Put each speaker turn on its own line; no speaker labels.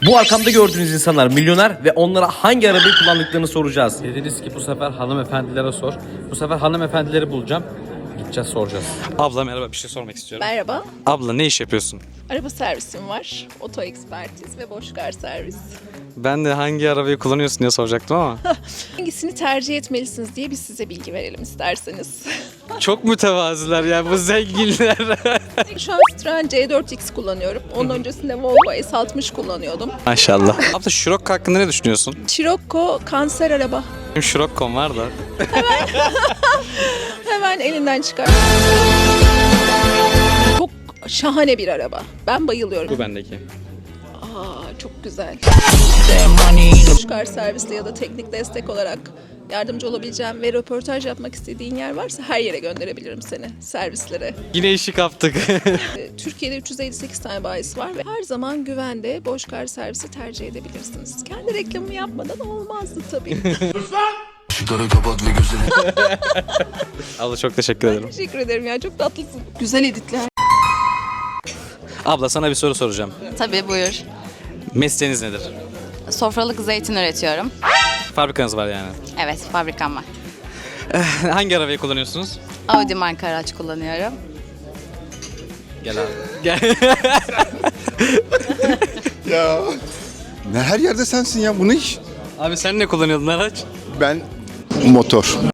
Bu arkamda gördüğünüz insanlar milyoner ve onlara hangi arabayı kullandıklarını soracağız.
Dediniz ki bu sefer hanımefendilere sor. Bu sefer hanımefendileri bulacağım. Gideceğiz soracağız. Abla merhaba, bir şey sormak istiyorum.
Merhaba,
Abla ne iş yapıyorsun?
araba servisim var. Oto ekspertiz ve Boşkar servis.
Ben de hangi arabayı kullanıyorsun diye soracaktım ama.
Hangisini tercih etmelisiniz diye biz size bilgi verelim isterseniz.
Çok mütevaziler ya bu zenginler.
Şu an Citroen C4X kullanıyorum. Onun öncesinde Volvo S60 kullanıyordum.
Maşallah. Abla Scirocco hakkında ne düşünüyorsun?
Scirocco kanser araba.
Benim Scirocco'm var da.
Hemen elinden çıkar. Çok şahane bir araba. Ben bayılıyorum.
Bu bendeki.
Aa, çok güzel. Boşkar servisle ya da teknik destek olarak yardımcı olabileceğim ve röportaj yapmak istediğin yer varsa her yere gönderebilirim seni servislere.
Yine işi kaptık.
Türkiye'de 358 tane bayisi var ve her zaman güvende Boşkar servisi tercih edebilirsiniz. Kendi reklamımı yapmadan olmazdı tabii.
Işıkları kapat ve gözlerini...
Abla çok teşekkür ederim.
Teşekkür ederim ya, çok tatlısın. Güzel editler.
Abla sana bir soru soracağım.
Tabii buyur.
Mesleğiniz nedir?
Sofralık zeytin üretiyorum.
Fabrikanız var yani.
Evet, fabrikam var.
Hangi arabayı kullanıyorsunuz?
Audi marka araç kullanıyorum.
Gel abi. Gel.
Ya. Ne her yerde sensin ya, bu ne iş?
Abi sen ne kullanıyordun araç?
Ben motor.